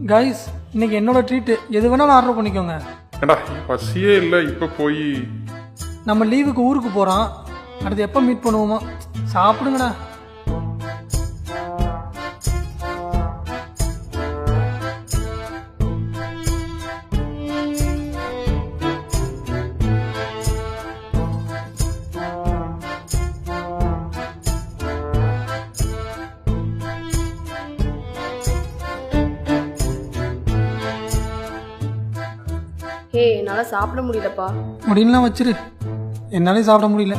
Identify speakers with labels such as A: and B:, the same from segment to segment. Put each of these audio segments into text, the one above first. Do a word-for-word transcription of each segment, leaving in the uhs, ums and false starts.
A: Guys இன்னைக்கு என்னோட treat எது வேணாலும் ஆர்டர் பண்ணிக்கோங்க.
B: ஏண்டா பசியே இல்லை இப்போ போய்.
A: நம்ம லீவுக்கு ஊருக்கு போகிறோம், அடுத்து எப்போ மீட் பண்ணுவோமோ. சாப்பிடுங்கடா.
C: ஹே, என்னால சாப்பிட முடியலப்பா.
A: முடியலாம் வச்சிரு, என்னாலே சாப்பிட முடியல.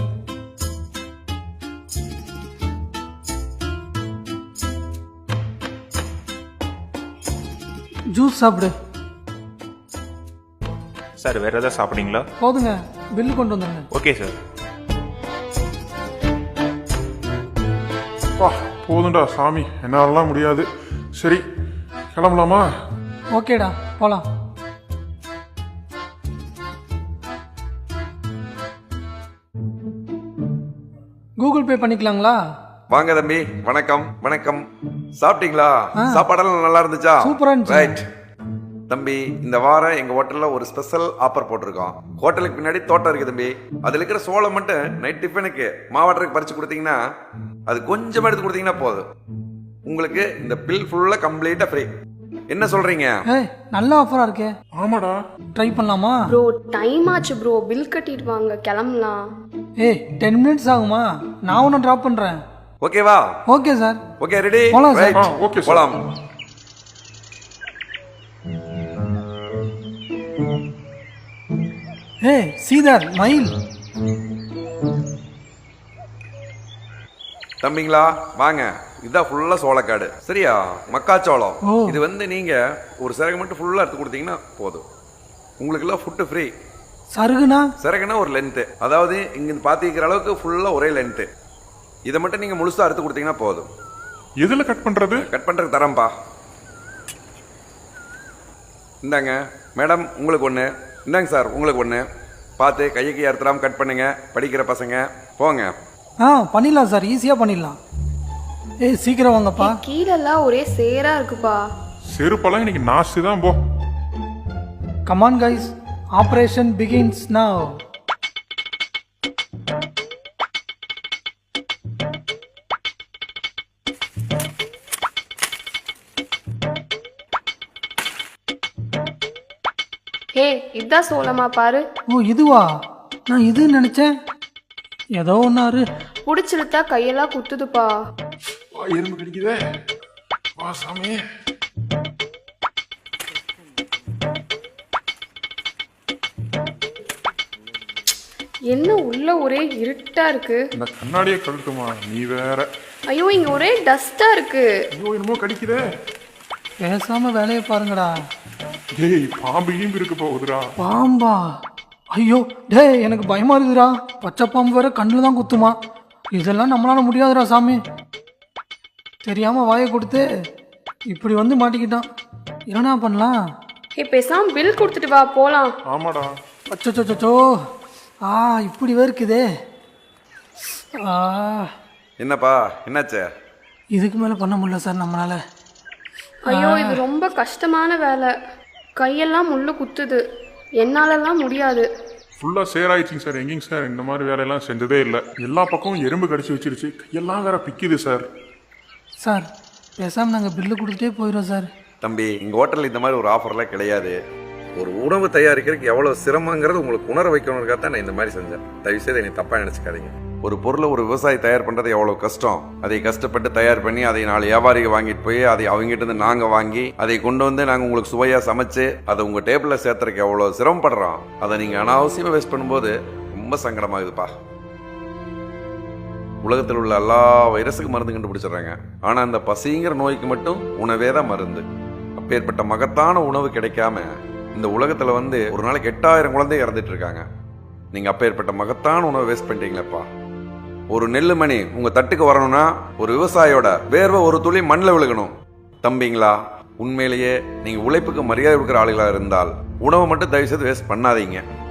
A: ஜூஸ் சாப்பிடு.
D: சார் வேற ஏதாவது சாப்பிட்றீங்களா?
A: போதுங்க, பில்லு கொண்டு வந்துருங்க.
D: Okay sir.
B: வா போதும்டா சாமி, என்னாலலாம் முடியாது. சரி கிளம்பலாமா?
A: ஓகேடா, போலாம். கூகுள் பே பண்ணிக்கலாங்களா?
E: வாங்க தம்பி, வணக்கம் வணக்கம். சாப்பிட்டீங்களா? சாப்பாடெல்லாம் நல்லா இருந்துச்சா?
A: சூப்பரா இருந்துச்சு.
E: ரைட் தம்பி, இந்த வாரம் எங்க ஹோட்டல்ல ஒரு ஸ்பெஷல் ஆஃபர் போட்டிருக்கோம். ஹோட்டலுக்கு பின்னாடி தோட்டம் இருக்கு தம்பி, அதுல இருக்கிற சோளம் மட்டும் நைட் டிஃபனுக்கு மாவாட்டருக்கு பறிச்சு கொடுத்தீங்கன்னா, அது கொஞ்சமா எடுத்து கொடுத்தீங்கன்னா போதும், உங்களுக்கு இந்த பில் ஃபுல்லா கம்ப்ளீட்டா ஃப்ரீ. என்ன சொல்றீங்க?
A: ஏய், நல்ல ஆஃபரா இருக்கே.
B: ஆமாடா,
A: ட்ரை பண்ணலாமா?
C: ப்ரோ டைம் ஆச்சு ப்ரோ, பில் கட்டிட்டு வாங்க, கிளம்பலாம்.
A: ஏய், டென் மினிட்ஸ் ஆகுமா? நான் ஒன்று ட்ராப் பண்றேன்.
E: ஓகேவா?
A: Okay sir.
E: Okay, ready?
A: போலாம் சார்.
B: ஆ, ஓகே சார்.
E: போலாம்.
A: ஏய் சீதர், மயில்.
E: தம்பிங்களா வாங்க, இதுதான் ஃபுல்லா சோளக்காடு, சரியா? மக்காச்சோளம்.
A: ஓ.
E: இது வந்து நீங்க ஒரு சிறகு மட்டும் ஃபுல்லா எடுத்து கொடுத்தீங்கன்னா போதும், உங்களுக்கு எல்லாம் ஃபுட்டு ஃப்ரீ.
A: சருகுனா?
E: சிறகுனா ஒரு லென்த்து, அதாவது இங்க பாத்திக்கிற அளவுக்கு ஃபுல்லா ஒரே லென்த்து. இதை மட்டும் நீங்க முழுசா எடுத்து கொடுத்தீங்கன்னா போதும்.
B: எதுல கட் பண்றது?
E: கட் பண்றதுக்கு தரம்பா. இந்தாங்க மேடம், உங்களுக்கு ஒண்ணு. இந்தாங்க சார், உங்களுக்கு ஒண்ணு. பார்த்து கையை அறுத்துறாம கட் பண்ணுங்க, படிக்கிற பசங்க. போங்க.
A: ஆ பண்ணிடலாம் சார், ஈஸியா பண்ணிடலாம். ஏய் சீக்கிரம் வாங்கப்பா.
C: கீழெல்லாம் ஒரே சேரா இருக்குப்பா.
B: செருப்பெல்லாம் இன்னைக்கு நாஸ்தி தான். போ.
A: Come on guys, operation begins now.
C: Hey, இதான் சோளமா பாரு.
A: ஓ இதுவா? நான் இதுன்னு நினைச்சேன். ஏதோ ஒன்னாரு.
C: புடிச்சிருத்தா கையெல்லாம் குத்துதுப்பா.
B: வா, எறும்பு கடிக்குதே. வா சாமி.
C: என்ன உள்ள ஒரே இருட்டா இருக்கு.
B: இந்த கண்ணாடியை கழட்டுமா, நீ வேற.
C: ஐயோ, இங்க ஒரே டஸ்டா இருக்கு.
B: ஐயோ என்னமோ கடிக்குதே.
A: பேசாம வேலையை பாருங்கடா.
B: டேய், பாம்பு கீம்பு இருக்கு போகுதுடா.
A: பாம்பா? ஐயோ டேய், எனக்கு பயமா இருக்குதுடா. பச்சை பாம்பு வேற கண்ணில் தான் குத்துமா. இதெல்லாம் நம்மளால முடியாதுடா சாமி. தெரியாம வாயை கொடுத்து இப்படி வந்து மாட்டிக்கிட்டான். என்னடா பண்ணலாம்?
C: ஹே, பேசாம பில் கொடுத்துட்டு வா, போலாம்.
B: ஆமாடா.
A: அச்சோ, ஆ இப்படி வேர்க்குதே. ஆ
E: என்னப்பா என்னாச்சு?
A: இதுக்கு மேலே பண்ண முடியல சார் நம்மளால.
C: ஐயோ, இது ரொம்ப கஷ்டமான வேலை. கையெல்லாம் முள்ளு குத்துது, என்னாலலாம் முடியாது.
B: ஃபுல்லா சேராயிடுச்சிங்க சார். எங்கேங்க சார் இந்த மாதிரி வேலையெல்லாம் செஞ்சதே இல்லை. எல்லா பக்கமும் எறும்பு கடிச்சு வச்சிருச்சு, கையெல்லாம் வேற பிக்குது சார்.
A: சார் பேசாமல் நாங்கள் பில்லு கொடுத்துட்டே போயிடுறோம் சார்.
E: தம்பி, எங்க ஹோட்டலில் இந்த மாதிரி ஒரு ஆஃபர்லாம் கிடையாது. ஒரு உணவு தயாரிக்கிறதுக்கு எவ்வளவு சிரமங்கிறது உங்களுக்கு உணர வைக்கணுங்கிறத தான் நான் இந்த மாதிரி செஞ்சேன். தயவு செய்து என்னை தப்பா நினைச்சுக்காதீங்க. ஒரு பொருளை ஒரு விவசாயி தயார் பண்றது எவ்வளவு கஷ்டம். அதை கஷ்டப்பட்டு தயார் பண்ணி அதை நாலு வியாபாரிகள் வாங்கிட்டு போய் அதை அவங்ககிட்ட இருந்து நாங்க வாங்கி அதை கொண்டு வந்து நாங்க உங்களுக்கு சுவையா சமைச்சு அதை உங்க டேபிள்ல சேர்த்துறதுக்கு எவ்வளவு சிரமப்படுறோம். அதை நீங்க அனாவசியமா வேஸ்ட் பண்ணும்போது ரொம்ப சங்கடமாகுதுப்பா. உலகத்தில் உள்ள எல்லா வைரஸுக்கும் மருந்து கண்டுபிடிச்சிடுறாங்க, ஆனா அந்த பசிங்கிற நோய்க்கு மட்டும் உணவே தான் மருந்து. அப்பேற்பட்ட மகத்தான உணவு கிடைக்காம இந்த உலகத்துல வந்து ஒரு நாளைக்கு எட்டாயிரம் குழந்தை இறந்துட்டு இருக்காங்க. நீங்க அப்பேற்பட்ட மகத்தான உணவை வேஸ்ட் பண்ணிட்டீங்களப்பா. ஒரு நெல்லு மணி உங்க தட்டுக்கு வரணும்னா ஒரு விவசாயியோட வேர்வை ஒரு துளி மண்ணில் விழுகணும். தம்பிங்களா, உண்மையிலேயே நீங்க உழைப்புக்கு மரியாதை கொடுக்குற ஆளுகளா இருந்தால் உணவை மட்டும் தயவு செய்து வேஸ்ட் பண்ணாதீங்க.